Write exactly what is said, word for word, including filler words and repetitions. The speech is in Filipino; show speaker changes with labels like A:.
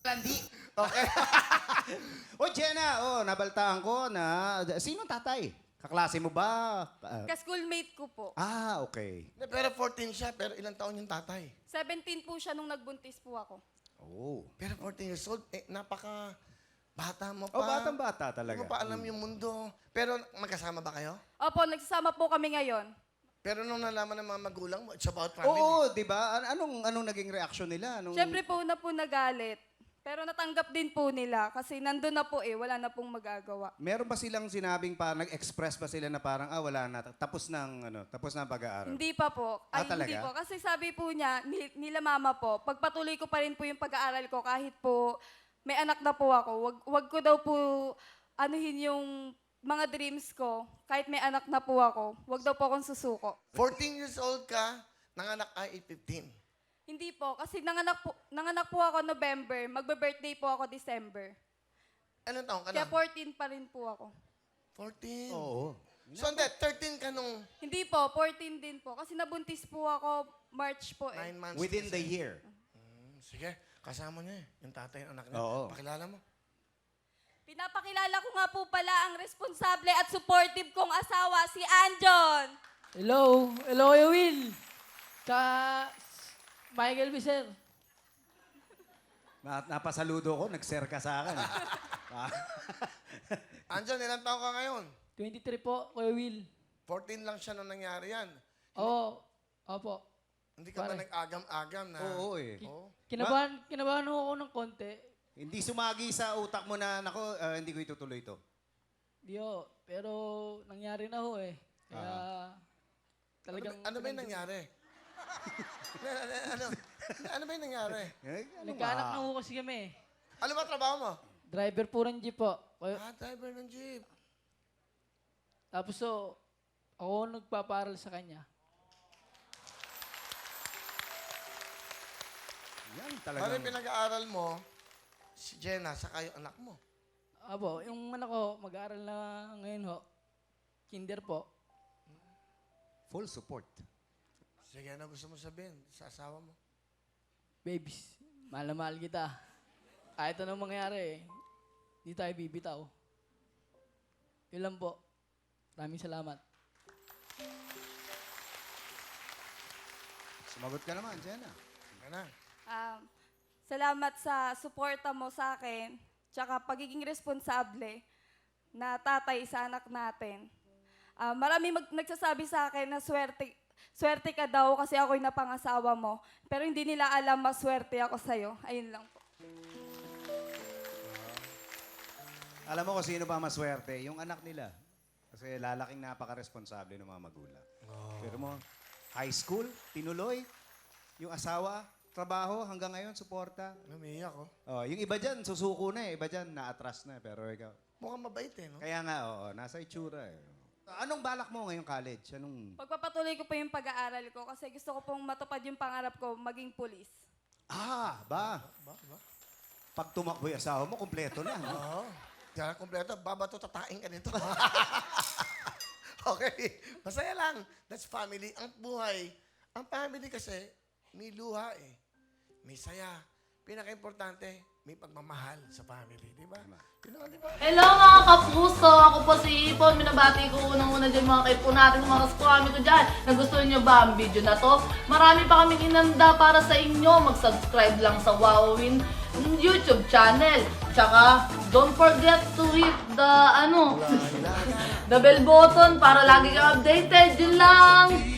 A: Landi.
B: Okay.
C: O, Jenna, oh, nabaltaan ko na... Sino tatay? Kaklase mo ba? Ah,
D: Ka-schoolmate ko po.
C: ah, okay.
B: Pero fourteen siya, pero ilang taon yung tatay?
D: seventeen po siya nung nagbuntis po ako.
C: Oh.
B: Pero fourteen years old, eh, napaka bata mo pa.
C: Oh, batang-bata talaga.
B: Hindi mo pa alam yung mundo. Pero magkasama ba kayo?
D: Opo, nagsasama po kami ngayon.
B: Pero nung nalaman ng mga magulang mo, it's about family.
C: Oo, di ba? An- Anong, anong naging reaksyon nila? Anong...
D: Siyempre po na po nagalit. Pero natanggap din po nila kasi nandun na po eh, wala na pong magagawa.
C: Meron ba silang sinabing pa, nag-express ba sila na parang, ah, wala na, tapos ng, ano, tapos na ang pag-aaral?
D: Hindi pa po.
C: Ah,
D: Ay,
C: talaga?
D: hindi po. Kasi sabi po niya, ni- nila mama po, pagpatuloy ko pa rin po yung pag-aaral ko kahit po may anak na po ako. Wag, wag ko daw po anuhin yung mga dreams ko kahit may anak na po ako. Wag daw po akong susuko.
B: fourteen years old ka, nanganak ay fifteen.
D: Hindi po, kasi nanganak po, nanganak po ako November, magbe-birthday po ako December.
B: Anong taong ka
D: Kaya
B: na?
D: fourteen pa rin po ako.
B: fourteen.
C: Oo.
B: So, hindi, thirteen ka nung
D: Hindi po, fourteen din po. Kasi nabuntis po ako March po eh.
B: nine months.
C: Within the
B: kasi.
C: year.
B: Hmm, sige, kasama niya eh. Yung tatay, yung anak niya.
C: Oo.
B: Pakilala mo.
D: Pinapakilala ko nga po pala ang responsable at supportive kong asawa, si Anjon.
E: Hello. Hello, Kuya Will. Ka Michael Viser.
C: Na, napasaludo ko, nag-share ka sa akin. Ah.
B: Anjan, ilang taong ka ngayon?
E: twenty-three po, Kuya Will.
B: fourteen lang siya nung nangyari yan.
E: Oo. Opo.
B: Hindi ka ba
E: Pare.
B: nag-agam-agam na?
C: Oo eh.
B: Oo.
E: Kinabahan, kinabahan ako ng konti.
C: Hindi sumagi sa utak mo na, nako, ah, hindi ko itutuloy ito.
E: Di ho. Pero nangyari na ho eh. Kaya
B: Ano,
E: talagang...
B: ba- ano ba yung nangyari? ano, ano, ano, ano ba yung nangyari?
C: Eh, ano
E: Nagkaanak
C: ba?
E: na ho kasi kami.
B: Ano ba trabaho mo?
E: Driver po ng jeep po. Kuya-
B: Ah, driver ng jeep.
E: Tapos so, ako nagpaparal sa kanya.
C: Yan
B: Ano
C: talagang...
B: yung pinag-aaral mo, si Jenna, saka yung anak mo?
E: Apo, yung anak ko, mag-aaral na ngayon ho. Kinder po.
C: Full support.
B: Sige, ano gusto mo sabihin sa asawa mo?
E: Babies, mahal na mahal kita. Kahit anong mangyari, hindi tayo bibitaw. Yun lang po. Maraming salamat.
C: Sumagot ka naman, Jenna.
B: Ka na.
D: Um, salamat sa suporta mo sa akin, tsaka pagiging responsable na tatay sa anak natin. Ah, marami mag- nagsasabi sa akin na swerte, swerte ka daw kasi ako'y napangasawa mo. Pero hindi nila alam maswerte ako sa'yo. Ayun lang po.
C: Alam mo kung sino ba maswerte? Yung anak nila. Kasi lalaking napaka-responsable ng mga magulang. Pero mo, high school, tinuloy. Yung asawa, trabaho, hanggang ngayon, suporta.
B: Namiyak ko.
C: Oh, yung iba dyan, susuko na eh. Iba dyan, na-atras na. Pero ikaw,
B: Mukhang mabait eh, no?
C: kaya nga, oo, nasa itsura eh. Anong balak mo ngayong college? Anong...
D: Pagpapatuloy ko pa yung pag-aaral ko kasi gusto ko pong matupad yung pangarap ko, maging pulis.
C: Ah, ba?
B: Ba, ba?
C: Pag tumakbo yung asawa mo, kumpleto na. No?
B: Oo. Diyan kompleto. Babato, tatain ka nito. Okay. Masaya lang. That's family. Ang buhay, ang family kasi, may luha eh. May saya. Pinaka-importante, may pagmamahal sa family. Di ba? Yun naman, di ba?
F: Hello mga kapuso! Ako po si Ipon. Minabati ko unang-una dyan mga kaipo natin, mga kaskwami ko dyan. Nagustuhan nyo ba ang video na to? Marami pa kaming inanda para sa inyo. Mag-subscribe lang sa Wowin YouTube channel. Tsaka, don't forget to hit the, ano, the bell button para lagi kang updated. Yun lang!